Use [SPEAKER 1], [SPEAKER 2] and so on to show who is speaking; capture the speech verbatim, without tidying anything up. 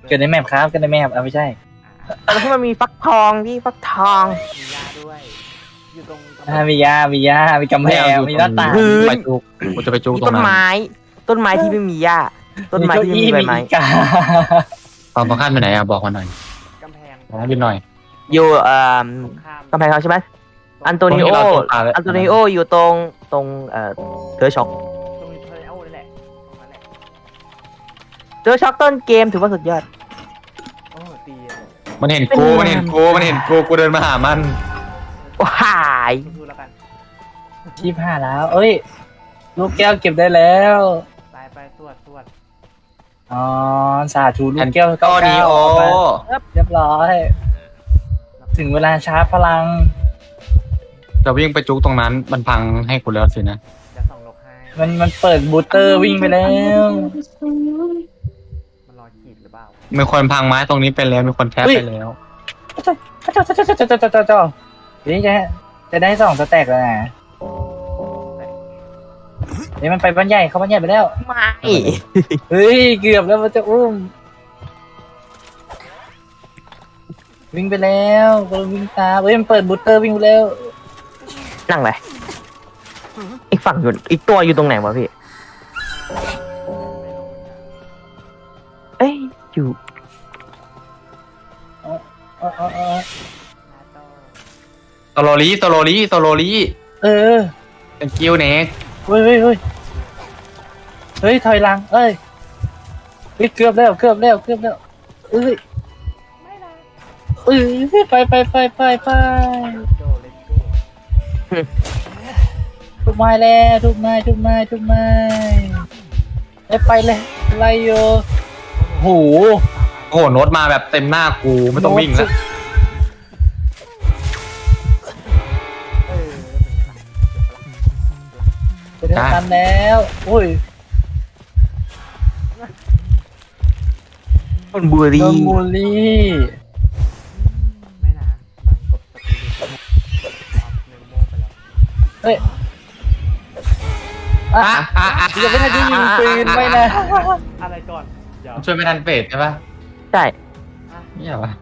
[SPEAKER 1] เกิดในแมปครับเกิดในแมปเอาไม่ใช่
[SPEAKER 2] แล้วที่มันมีฟักทองที่ฟักทอง
[SPEAKER 3] มียาด้วย อยู่ตรงกำแพ
[SPEAKER 1] อ่าง มียามียามีกำแพงมีหน้าต่าง
[SPEAKER 4] ไปจุกกูจะไปจุก
[SPEAKER 2] มี
[SPEAKER 4] ตร
[SPEAKER 2] ต้
[SPEAKER 4] ง
[SPEAKER 2] น
[SPEAKER 4] นั้น
[SPEAKER 2] ไม้ ต้นไม้ที่ไม่มีหญ้าต้นไม้ที่ไม่มีใบไม้
[SPEAKER 1] อีกา
[SPEAKER 4] ความสำคัญไปไหนอะบอกมาหน่อย
[SPEAKER 3] กำแพง
[SPEAKER 4] บอกยืนหน่อย
[SPEAKER 2] อยู่เอ่อ
[SPEAKER 3] ตรงข้าม
[SPEAKER 2] กำแพงเขาใช่ไหมอันโตนิโอ
[SPEAKER 4] ตรงที่เราตกปลาเลย
[SPEAKER 2] อันโตนิโออยู่ตรงตรงเอ่อเทอร์ช็อก
[SPEAKER 3] ตรงนี้เทอร์เอลนี่แหละตรงนั้นแหละ
[SPEAKER 2] เทอร์ช็อกต้นเกมถือว่าสุดยอด
[SPEAKER 3] โอ้ตีเลย
[SPEAKER 4] มันเห็นกูมันเห็นกูมันเห็นกูกูเดินมาหามัน
[SPEAKER 2] ว้าย
[SPEAKER 3] ดูแล้วกัน
[SPEAKER 1] ชีพห้าแล้ว เอ้ย ลูกแก้วเก็บได้แล้ว
[SPEAKER 3] ไปไปตรวจตรวจ
[SPEAKER 1] อ๋อสาธุลูกแก้ว
[SPEAKER 4] ก็ดีโอ
[SPEAKER 1] เาไปเรียบร้อย ถึงเวลาชาร์จพลัง
[SPEAKER 4] จะวิ่งไปจุกตรงนั้น มันพังให้กูแล้วสินะ
[SPEAKER 3] จะส่องนกให้
[SPEAKER 1] มันมันเปิดบูสเตอร์วิ่งไปแล้ว
[SPEAKER 3] มันรอขีดหรือเปล่า
[SPEAKER 4] มีคนพังไม้ตรงนี้ไปแล้วมีคนแทบไปแล้ว
[SPEAKER 1] เจ้าเจ้าเจ้าเจ้าเจ้าเจ้าเจ้าเจ้าเจ้านี่จะจะได้สองสแต็กแล้วนะเดี๋ยวมันไปบ้านใหญ่เขาบ้านใหญ่ไปแล้ว
[SPEAKER 2] ไม่
[SPEAKER 1] เฮ้ยเกือบแล้วมันจะอุ้ม วิ่งไปแล้วก็วิ่งตามเฮ้ยมันเปิดบูสเตอร์วิ่งไปแล้ว
[SPEAKER 2] นั่งเลยอีกฝั่งอยู่อีกตัวอยู่ตรงไหนวะพี่ เอ้ยอยู่
[SPEAKER 1] อ๋ออ๋ออ๋อ
[SPEAKER 3] นาโต้
[SPEAKER 4] โซโลลีโซโลลีโซโลลี
[SPEAKER 1] เออ
[SPEAKER 4] เป็นกิ้วเน็ก
[SPEAKER 1] เฮ้ยเฮ้ยเฮ้ยเฮ้ยถอยหลังเอ้ยเฮ้ยเกือบแล้วเกือบแล้วเกือบแล้วเอ้ย
[SPEAKER 3] ไม่นะ
[SPEAKER 1] เอ้ยไปไปไปไปไป
[SPEAKER 3] โดเลนโก้
[SPEAKER 1] ทุกไม้แล้วทุกไม้ทุกไม้ทุกไม้ไปไปเลยไล่โยโห
[SPEAKER 4] โอ้โหโน้ตมาแบบเต็มหน้ากูไม่ต้องวิ่งแล้ว
[SPEAKER 3] เออ
[SPEAKER 1] เป็นไงทันแล้วโอ้ย
[SPEAKER 2] คนบุ
[SPEAKER 1] โด
[SPEAKER 2] รี
[SPEAKER 1] นบูลลี่
[SPEAKER 3] ไม่นะมันกดสปีดออฟเมมโมไปแล้ว
[SPEAKER 1] เฮ้ยอ่ะ
[SPEAKER 4] อ่ะอ่ะอ่ะ
[SPEAKER 1] ยังไม่ทันได้ยิงปืนไม่นะ
[SPEAKER 3] อะไรก่อน เดี๋ยว
[SPEAKER 4] ช่วยไม่ทันเฟดใช่ปะ
[SPEAKER 2] ใช่
[SPEAKER 4] เนี่ยวะ